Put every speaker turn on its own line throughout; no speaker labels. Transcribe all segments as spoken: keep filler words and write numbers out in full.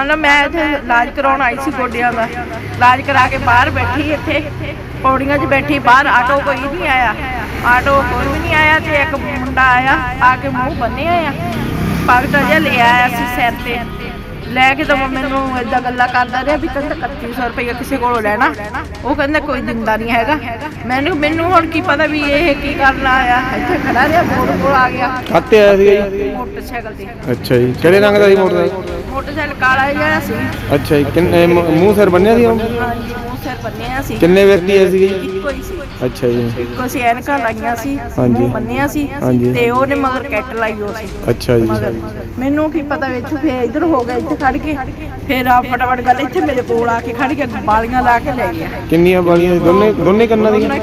मान लो मैं इत्थे इलाज कराउण आई सी गोडियां दा, इलाज करा के बाहर बैठी इत्थे पौड़ियां च बैठी, बाहर आटो कोई नहीं आया, आटो कोई भी नहीं आया। तो एक मुंडा आया आके मुँह बन्निया आ, पगट जिहा ले आया सी सिर ते लैके, तो मैनू इदा गल्लां करदा रहा भी कहंदा इकत्ती सौ रुपया किसी कोलों लैना, वो कहंदा कोई दिंदा नहीं हैगा। मैनू मैनू हुण की पता भी ये की करन आया, इत्थे खड़ा रहा, मोड़ कोल आ गया।
काते आया सीगा जी?
मोटरसाइकिल ते।
अच्छा जी, किहड़े रंग दा सी मोटरसाइकिल?
मोटरसाइकिल काला जिहा सी।
अच्छा जी, किन्ने मूंह सिर बन्निया सी?
हाँ जी, मूंह सिर बन्निया सी।
किन्ने व्यक्ति आए सीगे?
इक्को ही सी।
अच्छा जी,
इक्को सी, ऐनकां लाईआं सी,
हाँ जी,
मूंह बन्निया सी
हाँ जी,
ते ओहने मगर कैट लाई हो सी।
अच्छा जी,
मगर मैनू की पता विच फिर इधर हो गया, इत्थे खड़ के फिर आ फटाफट गल इत्थे मेरे कोल आके खड़ के बालियां ला के ले गया।
किन्नियां बालियां? दोने दोने कन्नां ਦੀਆਂ?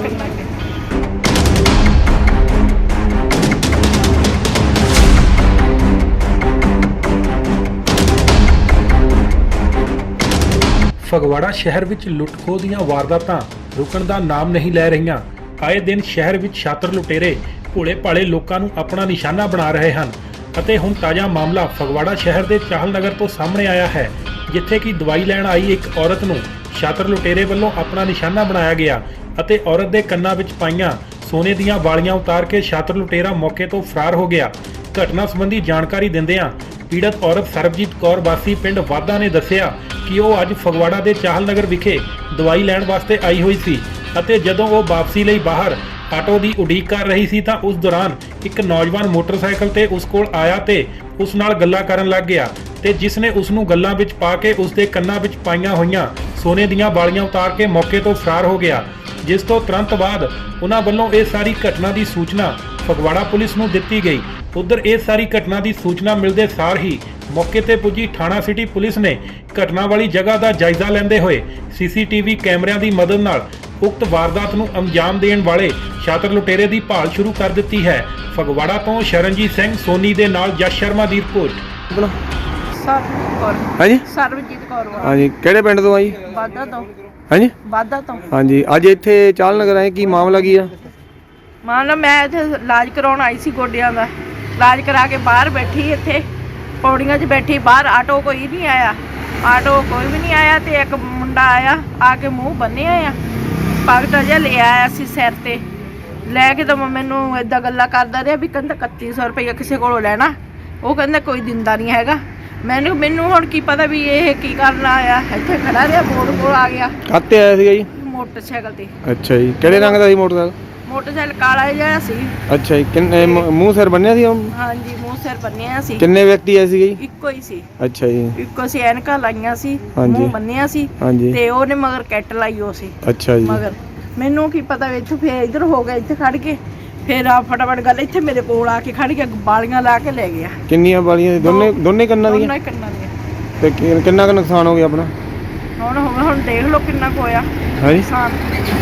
ਫਗਵਾੜਾ ਸ਼ਹਿਰ ਵਿੱਚ ਲੁੱਟ-ਖੋਹ ਦੀਆਂ ਵਾਰਦਾਤਾਂ ਰੁਕਣ ਦਾ ਨਾਮ ਨਹੀਂ ਲੈ ਰਹੀਆਂ। ਆਏ ਦਿਨ ਸ਼ਹਿਰ ਵਿੱਚ ਛਾਤਰ ਲੁਟੇਰੇ ਭੋਲੇ-ਭਾਲੇ ਲੋਕਾਂ ਨੂੰ ਆਪਣਾ ਨਿਸ਼ਾਨਾ ਬਣਾ ਰਹੇ ਹਨ ਅਤੇ ਹੁਣ ਤਾਜ਼ਾ ਮਾਮਲਾ ਫਗਵਾੜਾ ਸ਼ਹਿਰ ਦੇ ਚਾਹਲ ਨਗਰ ਤੋਂ ਸਾਹਮਣੇ ਆਇਆ ਹੈ, ਜਿੱਥੇ ਕਿ ਦਵਾਈ ਲੈਣ ਆਈ ਇੱਕ ਔਰਤ ਨੂੰ ਛਾਤਰ ਲੁਟੇਰੇ ਵੱਲੋਂ ਆਪਣਾ ਨਿਸ਼ਾਨਾ ਬਣਾਇਆ ਗਿਆ ਅਤੇ ਔਰਤ ਦੇ ਕੰਨਾਂ ਵਿੱਚ ਪਾਈਆਂ ਸੋਨੇ ਦੀਆਂ ਵਾਲੀਆਂ ਉਤਾਰ ਕੇ ਛਾਤਰ ਲੁਟੇਰਾ ਮੌਕੇ ਤੋਂ ਫਰਾਰ ਹੋ ਗਿਆ। ਘਟਨਾ ਸੰਬੰਧੀ ਜਾਣਕਾਰੀ ਦਿੰਦਿਆਂ ਪੀੜਤ ਔਰਤ ਸਰਬਜੀਤ ਕੌਰ ਵਾਸੀ ਪਿੰਡ ਵਾਧਾ ਨੇ ਦੱਸਿਆ ਕਿ ਉਹ ਅੱਜ ਫਗਵਾੜਾ ਦੇ ਚਾਹਲ ਨਗਰ ਵਿਖੇ ਦਵਾਈ ਲੈਣ ਵਾਸਤੇ ਆਈ ਹੋਈ ਸੀ ਅਤੇ ਜਦੋਂ ਉਹ ਵਾਪਸੀ ਲਈ ਬਾਹਰ ਆਟੋ ਦੀ ਉਡੀਕ ਕਰ ਰਹੀ ਸੀ ਤਾਂ ਉਸ ਦੌਰਾਨ ਇੱਕ ਨੌਜਵਾਨ ਮੋਟਰਸਾਈਕਲ ਤੇ ਉਸ ਕੋਲ ਆਇਆ ਤੇ ਉਸ ਨਾਲ ਗੱਲਾਂ ਕਰਨ ਲੱਗ ਗਿਆ ਤੇ ਜਿਸ ਨੇ ਉਸ ਨੂੰ ਗੱਲਾਂ ਵਿੱਚ ਪਾ ਕੇ ਉਸ ਦੇ ਕੰਨਾਂ ਵਿੱਚ ਪਾਈਆਂ ਹੋਈਆਂ ਸੋਨੇ ਦੀਆਂ ਵਾਲੀਆਂ ਉਤਾਰ ਕੇ ਮੌਕੇ ਤੋਂ ਫਰਾਰ ਹੋ ਗਿਆ, ਜਿਸ ਤੋਂ ਤੁਰੰਤ ਬਾਅਦ ਉਹਨਾਂ ਵੱਲੋਂ ਇਹ ਸਾਰੀ ਘਟਨਾ ਦੀ ਸੂਚਨਾ ਫਗਵਾੜਾ ਪੁਲਿਸ ਨੂੰ ਦਿੱਤੀ ਗਈ। ਉਧਰ ਇਹ ਸਾਰੀ ਘਟਨਾ ਦੀ ਸੂਚਨਾ ਮਿਲਦੇ ਸਾਰ ਹੀ ਮੌਕੇ ਤੇ ਪੁੱਜੀ ਥਾਣਾ ਸਿਟੀ ਪੁਲਿਸ ਨੇ ਘਟਨਾ ਵਾਲੀ ਜਗ੍ਹਾ ਦਾ ਜਾਇਜ਼ਾ ਲੈਂਦੇ ਹੋਏ ਸੀਸੀਟੀਵੀ ਕੈਮਰਿਆਂ ਦੀ ਮਦਦ ਨਾਲ ਉਕਤ ਵਾਰਦਾਤ ਨੂੰ ਅੰਜਾਮ ਦੇਣ ਵਾਲੇ ਛਾਤਰ ਲੁਟੇਰੇ ਦੀ ਭਾਲ ਸ਼ੁਰੂ ਕਰ ਦਿੱਤੀ ਹੈ। ਫਗਵਾੜਾ ਤੋਂ ਸ਼ਰਨਜੀਤ ਸਿੰਘ ਸੋਨੀ ਦੇ ਨਾਲ ਜਸ ਸ਼ਰਮਾ ਦੀ ਰਿਪੋਰਟ।
ਸਰਬਜੀਤ ਕੌਰ।
ਹਾਂਜੀ,
ਸਰਬਜੀਤ ਕੌਰ।
ਹਾਂਜੀ, ਕਿਹੜੇ ਪਿੰਡ ਤੋਂ ਆਈ?
ਵਾਧਾ ਤੋਂ।
ਹਾਂਜੀ,
ਵਾਧਾ ਤੋਂ।
ਹਾਂਜੀ, ਅੱਜ ਇੱਥੇ ਚਾਹਲ ਨਗਰ ਆਏ, ਕੀ ਮਾਮਲਾ ਕੀ ਆ?
मान लो मैं इत्थे इलाज कराउण आई सी गोडियां दा, इलाज करा के बाहर बैठी इत्थे पौड़ियां च बैठी, बाहर आटो कोई नहीं आया, आटो कोई भी नहीं आया। तो एक मुंडा आया आके मुँह बन्निया आ, पगट जिहा ले आया सी सिर ते लैके, तो मैनू इदा गल्लां करदा रहा भी कहंदा इकत्ती सौ रुपया किसी कोलों लैना, वो कहंदा कोई दिंदा नहीं हैगा। मैनू मैनू हुण की पता भी ये की करन आया, इत्थे खड़ा रहा, मोड़ कोल आ गया।
ਕਾਤੇ ਆਇਆ ਸੀਗਾ ਜੀ?
मोटरसाइकिल ते।
ਅੱਛਾ ਜੀ, ਕਿਹੜੇ ਰੰਗ ਦਾ ਸੀ ਮੋਟਰਸਾਈਕਲ?
मोटरसाइकिल काला जिहा सी।
ਅੱਛਾ ਜੀ, ਕਿੰਨੇ ਮੂੰਹ ਸਿਰ ਬੰਨਿਆ ਸੀ?
हाँ जी, मूँह सिर बन्निया सी।
ਕਿੰਨੇ ਵਿਅਕਤੀ ਆਏ ਸੀਗੇ ਜੀ?
ਇੱਕੋ ਹੀ ਸੀ।
ਅੱਛਾ ਜੀ,
ਇੱਕੋ ਸੀ, ਐਨਕਾਂ ਲਾਈਆਂ ਸੀ,
ਹਾਂਜੀ,
ਮੂੰਹ ਬੰਨਿਆ ਸੀ
ਹਾਂਜੀ,
ਤੇ ਉਹਨੇ ਮਗਰ ਕੈਟ ਲਾਈ ਹੋ ਸੀ।
ਅੱਛਾ ਜੀ,
ਮਗਰ ਮੈਨੂੰ ਕੀ ਪਤਾ ਵਿੱਚ ਫਿਰ ਇਧਰ ਹੋ ਗਿਆ, ਇੱਥੇ ਖੜ ਕੇ ਫਿਰ ਆ ਫਟਾਫਟ ਗੱਲ ਇੱਥੇ ਮੇਰੇ ਕੋਲ ਆ ਕੇ ਖੜ ਕੇ ਬਾਲੀਆਂ ਲਾ ਕੇ ਲੈ ਗਿਆ।
ਕਿੰਨੀਆਂ ਬਾਲੀਆਂ? ਦੋਨੇ ਦੋਨੇ ਕੰਨਾਂ ਦੀਆਂ?
ਦੋਨੇ ਕੰਨਾਂ ਦੀਆਂ।
ਤੇ ਕਿ- ਕਿੰਨਾ ਕੁ ਨੁਕਸਾਨ ਹੋ ਗਿਆ ਆਪਣਾ?
ਹੁਣ ਹੁਣ ਹੁਣ ਦੇਖ ਲਓ ਕਿੰਨਾ ਕੁ ਹੋਇਆ
ਹਾਂਜੀ,
ਨੁਕਸਾਨ।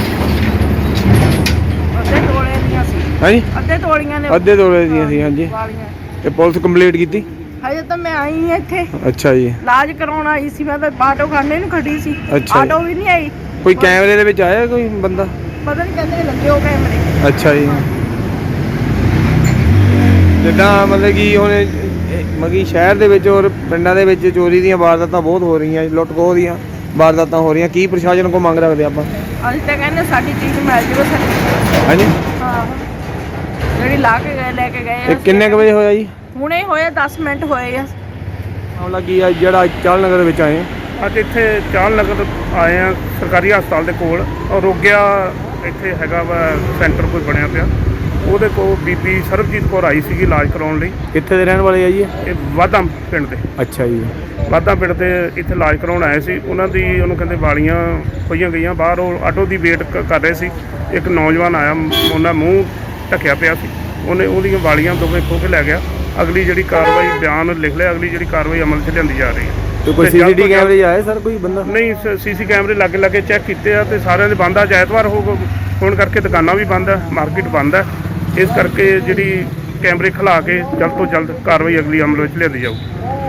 ਅੱਧੇ ਤੋਲੇ ਦੀਆਂ ਸੀ।
ਹਾਂਜੀ,
ਅੱਧੇ ਤੋਲੀਆਂ ਨੇ।
ਅੱਧੇ ਤੋਲੇ ਦੀਆਂ ਸੀ। ਹਾਂਜੀ,
ਵਾਲੀਆਂ।
ਤੇ ਪੁਲਿਸ ਕੰਪਲੀਟ ਕੀਤੀ?
ਹਜੇ ਤਾਂ ਮੈਂ ਆਈ ਹਾਂ ਇੱਥੇ
ਅੱਛਾ ਜੀ,
ਇਲਾਜ ਕਰਾਉਣ ਆਈ ਸੀ, ਮੈਂ ਤਾਂ ਆਟੋ ਖਾਨੇ ਨੂੰ ਖੜੀ ਸੀ,
ਅੱਛਾ।
ਆਟੋ ਵੀ ਨਹੀਂ ਆਈ।
ਕੋਈ ਕੈਮਰੇ ਦੇ ਵਿੱਚ ਆਇਆ ਕੋਈ ਬੰਦਾ?
ਪਤਾ ਨਹੀਂ ਕਹਿੰਦੇ ਲੱਗੇ ਹੋ ਕੈਮਰੇ।
ਅੱਛਾ ਜੀ, ਜਿੱਦਾਂ ਮਤਲਬ ਕਿ ਹੁਣ ਮਗੀ ਸ਼ਹਿਰ ਦੇ ਵਿੱਚ ਔਰ ਪਿੰਡਾਂ ਦੇ ਵਿੱਚ ਚੋਰੀ ਦੀਆਂ ਵਾਰਦਾਤਾਂ ਬਹੁਤ ਹੋ ਰਹੀਆਂ, ਲੁੱਟ ਖੋਹ ਦੀਆਂ ਵਾਰਦਾਤਾਂ ਹੋ ਰਹੀਆਂ, ਕੀ ਪ੍ਰਸ਼ਾਸਨ ਕੋਲ ਮੰਗ ਰੱਖਦੇ ਆਪਾਂ?
ਅਸੀਂ ਤਾਂ ਕਹਿੰਦੇ ਸਾਡੀ ਚੀਜ਼ ਮਿਲ ਜਾਵੇ ਸਾਡੀ।
ਹਾਂਜੀ,
ਹਾਂ, ਜਿਹੜੀ ਲਾ ਕੇ ਗਏ ਲੈ ਕੇ ਗਏ
ਇਹ
ਆ।
ਕਿੰਨੇ ਕੁ ਵਜੇ ਹੋਇਆ ਜੀ?
ਹੁਣੇ ਹੋਏ ਦਸ ਮਿੰਟ ਹੋਏ ਆ।
ਮਾਮਲਾ ਕੀ ਆ ਜਿਹੜਾ ਚਾਹਲ ਨਗਰ ਵਿੱਚ ਆਏ?
ਅੱਜ ਇੱਥੇ ਚਾਹਲ ਨਗਰ ਆਏ ਆ, ਸਰਕਾਰੀ ਹਸਪਤਾਲ ਦੇ ਕੋਲ ਰੋਗਿਆ ਇੱਥੇ ਹੈਗਾ ਵਾ ਸੈਂਟਰ ਕੋਈ ਬਣਿਆ ਪਿਆ, ਉਹਦੇ ਕੋਲ ਬੀਬੀ ਸਰਬਜੀਤ ਕੌਰ ਆਈ ਸੀਗੀ ਇਲਾਜ ਕਰਾਉਣ ਲਈ।
ਕਿੱਥੇ ਦੇ ਰਹਿਣ ਵਾਲੇ ਆ ਜੀ?
ਇਹ ਵਾਧਾ ਪਿੰਡ ਦੇ।
ਅੱਛਾ ਜੀ,
ਵਾਧਾ ਪਿੰਡ ਦੇ ਇੱਥੇ ਇਲਾਜ ਕਰਾਉਣ ਆਏ ਸੀ। ਉਹਨਾਂ ਦੀ ਉਹਨੂੰ ਕਹਿੰਦੇ ਵਾਲੀਆਂ ਖੋਈਆਂ ਗਈਆਂ, ਬਾਹਰ ਉਹ ਆਟੋ ਦੀ ਵੇਟ ਕਰ ਰਹੇ ਸੀ। ਇੱਕ ਨੌਜਵਾਨ ਆਇਆ, ਉਹਨਾਂ ਮੂੰਹ ਢੱਕਿਆ ਪਿਆ ਸੀ, ਉਹਨੇ ਉਹਦੀਆਂ ਵਾਲੀਆਂ ਦੋਵੇਂ ਖੋਹ ਕੇ ਲੈ ਗਿਆ। ਅਗਲੀ ਜਿਹੜੀ ਕਾਰਵਾਈ ਬਿਆਨ ਲਿਖ ਲਿਆ, ਅਗਲੀ ਜਿਹੜੀ ਕਾਰਵਾਈ ਅਮਲ 'ਚ ਲਿਆਂਦੀ ਜਾ ਰਹੀ ਹੈ।
ਤੇ ਕੋਈ ਸੀਸੀਟੀਵੀ ਕੈਮਰੇ ਆਏ ਸਰ ਕੋਈ ਬੰਦਾ?
ਨਹੀਂ, ਸੀਸੀ ਕੈਮਰੇ ਲਾਗੇ ਲਾਗੇ ਚੈੱਕ ਕੀਤੇ ਆ ਤੇ ਸਾਰਿਆਂ ਦੇ ਬੰਦ ਆ। ਐਤਵਾਰ ਹੋ ਹੋਣ ਕਰਕੇ ਦੁਕਾਨਾਂ ਵੀ ਬੰਦ ਹੈ, ਮਾਰਕੀਟ ਬੰਦ ਹੈ, ਇਸ ਕਰਕੇ ਜਿਹੜੀ ਕੈਮਰੇ ਖਿਲਾ ਕੇ ਜਲਦ ਤੋਂ ਜਲਦ ਕਾਰਵਾਈ ਅਗਲੀ ਅਮਲ ਵਿੱਚ ਲਿਆਂਦੀ ਜਾਊਗੀ।